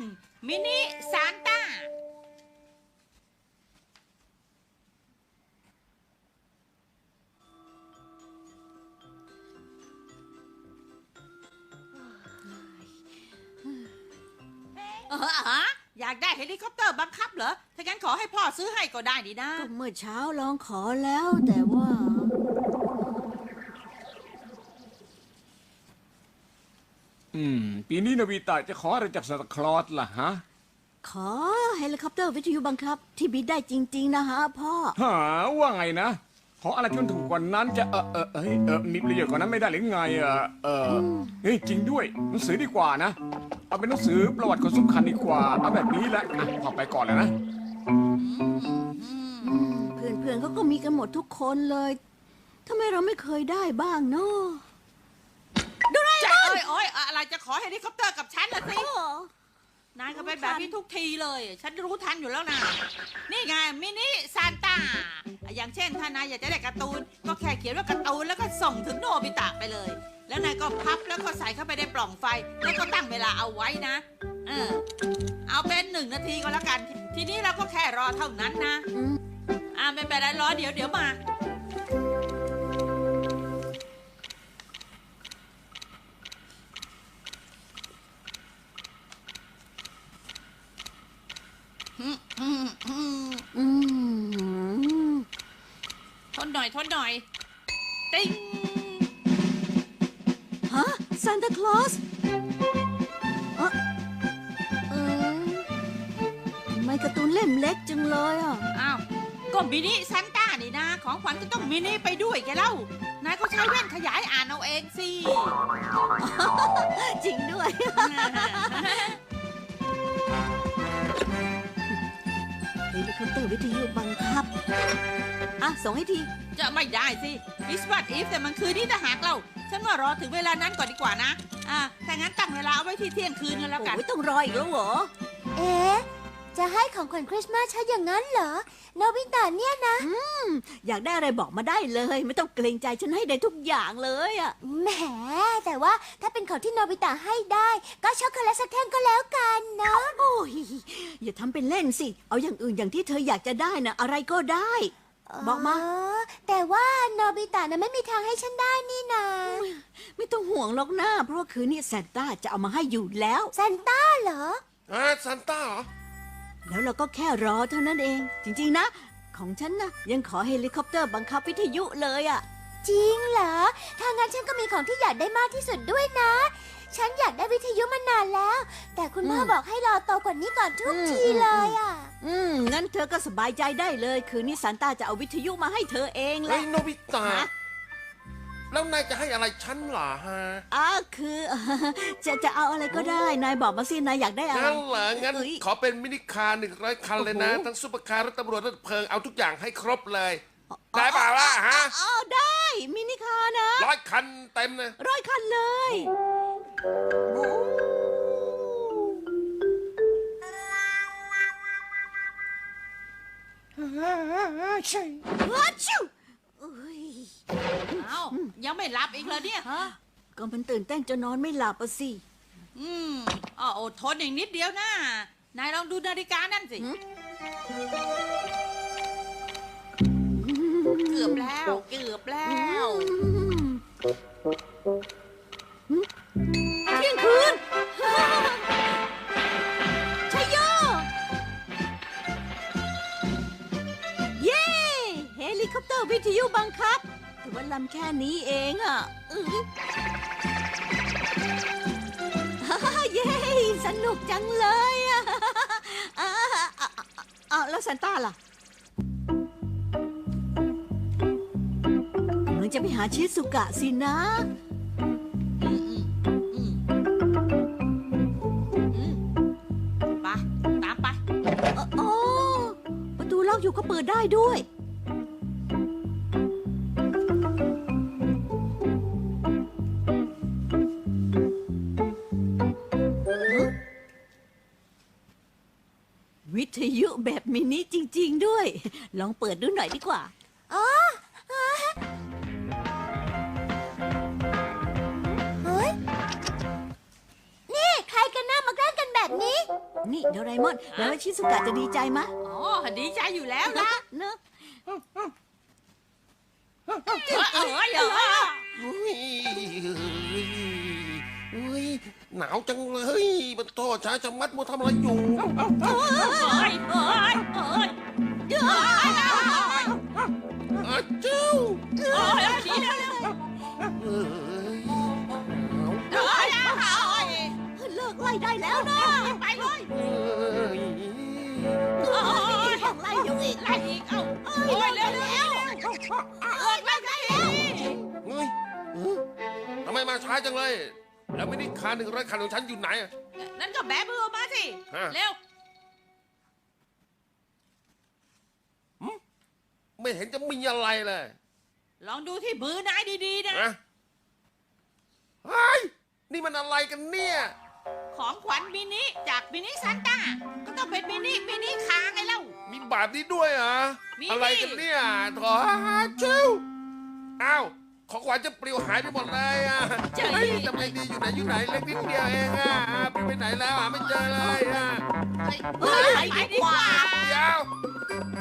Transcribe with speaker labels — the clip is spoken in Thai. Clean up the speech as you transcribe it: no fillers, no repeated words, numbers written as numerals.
Speaker 1: มินิซานต้าอยากได้เฮลิคอปเตอร์บังคับเหรอ ถ้างั้นขอให้พ่อซื้อให้ก็ได้ดีนะ
Speaker 2: ก็เมื่อเช้าลองขอแล้วแต่ว่า
Speaker 3: ปีนี้โนบิตะจะขออะไรจากซานตาคลอสล่ะฮะ
Speaker 2: ขอเฮลิคอปเตอร์วิทยุบังคับที่บินได้จริงๆนะฮะพ่อ
Speaker 3: หาว่าไงนะ ขออะไรที่มันถูกกว่านั้นจะมีประโยชน์กว่านั้นไม่ได้หรือไงเฮ้ยจริงด้วยหนังสือดีกว่านะ เอาเป็นหนังสือประวัติคนสำคัญดีกว่า เอาแบบนี้แหละพอไปก่อนเลยนะ
Speaker 2: เพื่อนๆเขาก็มีกันหมดทุกคนเลยทำไมเราไม่เคยได้บ้างเนาะ
Speaker 1: จะโอ้ยอะไรจะขอเฮลิคอปเตอร์กับฉันละสิ นายก็เป็นแบบนี้ทุกทีเลย ฉันรู้ทันอยู่แล้วนะ นี่ไงมินิซานต้า อย่างเช่นถ้านายอยากจะได้การ์ตูน ก็แค่เขียนว่าการ์ตูนแล้วก็ส่งถึงโนบิตะไปเลย แล้วนายก็พับแล้วก็ใส่เข้าไปในปล่องไฟ แล้วก็ตั้งเวลาเอาไว้นะ เอาเป็น1 นาทีก็แล้วกัน ทีนี้เราก็แค่รอเท่านั้นนะ ไม่เป็นไรรอเดี๋ยวมา ทนหน่อย ติ๊ง
Speaker 2: ฮะซานตาคลอสทำไมการ์ตูนเล่มเล็กจังเลยอ่ะ
Speaker 1: อ้าวก็มินิซานต้านี่นะ ของขวัญก็ต้องมินิไปด้วยแกเล่านายก็ใช้แว่นขยายอ่านเอาเองสิ
Speaker 2: จริงด้วย เฮลิคอปเตอร์วิทยุบังคับส่งให้ที
Speaker 1: จะไม่ได้สิ It's what if แต่มันคือนี่ถ้าหากเราฉันว่ารอถึงเวลานั้นก่อนดีกว่านะถ้างั้นตั้งเวลาเอาไว้ที่เที่ยงคืนกันแล้วกัน
Speaker 2: โอ้ยต้องรออีกแล้วเหรอ
Speaker 4: เอ๊ะ จะให้ของขวัญคริสต์มาสฉันอย่างนั้นเหรอ โนบิตะเนี่ยนะ
Speaker 2: อยากได้อะไรบอกมาได้เลย ไม่ต้องเกรงใจฉันให้ได้ทุกอย่างเลยอ่ะ
Speaker 4: แหม แต่ว่าถ้าเป็นของที่โนบิตะให้ได้ ก็ช็อกโกแลตสักแท่งก็แล้วกันเนาะ
Speaker 2: โอ้ยอย่าทำเป็นเล่นสิ เอาอย่างอื่นอย่างที่เธออยากจะได้นะอะไรก็ได้ บอกมา
Speaker 4: แต่ว่าโนบิตะน่ะไม่มีทางให้ฉันได้นี่นะ
Speaker 2: ไม่ต้องห่วงหรอกนะเพราะว่าคืนนี้แซนต้าจะเอามาให้อยู่แล้ว
Speaker 4: ซานต้าเหรอ
Speaker 5: ซันต้าเหรอ
Speaker 2: แล้วเราก็แค่รอเท่านั้นเอง จริงๆนะ ของฉันนะยังขอเฮลิคอปเตอร์บังคับวิทยุเลยอ่ะ
Speaker 4: จริงเหรอ ถ้างั้นฉันก็มีของที่อยากได้มากที่สุดด้วยนะ ฉันอยากได้วิทยุมานานแล้ว แต่คุณพ่อบอกให้รอโตกว่านี้ก่อนทุกทีเลยอ่ะ
Speaker 2: งั้นเธอก็สบายใจได้เลย คืนนี้ซานต้าจะเอาวิทยุมาให้เธอเองแห
Speaker 5: เฮ้
Speaker 2: ละ
Speaker 5: ยโนบิตะ
Speaker 2: ฮะ
Speaker 5: แล้วนายจะให้อะไรฉันเหรอฮะ
Speaker 2: คือ จะเอาอะไรก็ได้ นายบอกมาสิ นายอยากได้อะไร
Speaker 5: งั้นเหรองั้น
Speaker 2: เอ้ย
Speaker 5: ขอเป็นมินิคาร์100 คันเลยนะ
Speaker 2: โอ้โห
Speaker 5: ทั้งซุปเปอร์คาร์รถตำรวจรถเพลิงเอาทุกอย่างให้ครบเลย ได้เปล่าล่ะฮะ
Speaker 2: ได้ มินิคาร์นะ
Speaker 5: 100 คันเต็มเลย
Speaker 2: 100 คันเลยโอ้
Speaker 3: ใช่
Speaker 2: ฮัชชูเอ้ย
Speaker 1: เอ้ายังไม่หลับอีกเลยเนี่ย
Speaker 2: ก็มันตื่นเต้นจนนอนไม่หลับอะสิ
Speaker 1: อดทนอีกนิดเดียวนะ นายลองดูนาฬิกานั่นสิ เกือบแล้ว เ
Speaker 2: ที่ยงคืนชัยโย เย้เฮลิคอปเตอร์วิทยุบังคับถือว่าลำแค่นี้เองอ่ะเย้สนุกจังเลยอ่ะแล้วซานต้าล่ะกำลังจะไปหาชิสุกะสินะ
Speaker 1: ไป ตามไป
Speaker 2: อ๋อประตูล็อกอยู่ก็เปิดได้ด้วย วิทยุแบบมินิจริง ๆ ด้วย ลองเปิดดูหน่อยดีกว่า
Speaker 4: เฮ้ย นี่ใครกันน่ามาแกล้งกันแบบนี้
Speaker 2: นี่โดราเอมอนแล้วชิสุกะจะดีใจมะ
Speaker 1: อ๋อดีใจอยู่แล้วนะ
Speaker 2: เนอะ
Speaker 5: อุ้ยอุ้ยหนาวจังเลยมันโทษช้าจะมัดมัวทำอะไรอยู่อาเจ้าเอ้ย
Speaker 2: เลิกไล่ได้แล้วนะ
Speaker 1: ไปเลย
Speaker 5: เอ้ย
Speaker 2: ต้องไล่อยู่อีก
Speaker 1: ไล่อีกเอ้าโอ้ยเร็วเร็วไล่แล้ว
Speaker 5: เฮ้ยทำไมมาช้าจังเลย แล้วไม่ได้คา100 คันของฉันอยู่ไหนอะ
Speaker 1: นั่นก็แบมือมาสิ
Speaker 5: ฮะ
Speaker 1: เร็ว
Speaker 5: ไม่เห็นจะมีอะไรเลย
Speaker 1: ลองดูที่มือนายดีๆนะ
Speaker 5: นะเฮ้ยนี่มันอะไรกันเนี่ย
Speaker 1: ของขวัญมินิจากมินิซานต้าก็ต้องเป็นมินิคางไงเล่า
Speaker 5: มีแบบนี้ด้วยเหรอ
Speaker 1: มี
Speaker 5: อะไรกันเนี่ยถอชิวอ้าวของขวัญจะปลิวหายไปหมดเลยอ่ะเฮ้ยทำไงดีอยู่ไหนเล็กนิดเดียวเองอ่ะปลิวไปไหนแล้วอ่ะไม่เจอเลยอ่ะ
Speaker 1: ไปดีกว่า
Speaker 5: เดี๋ยว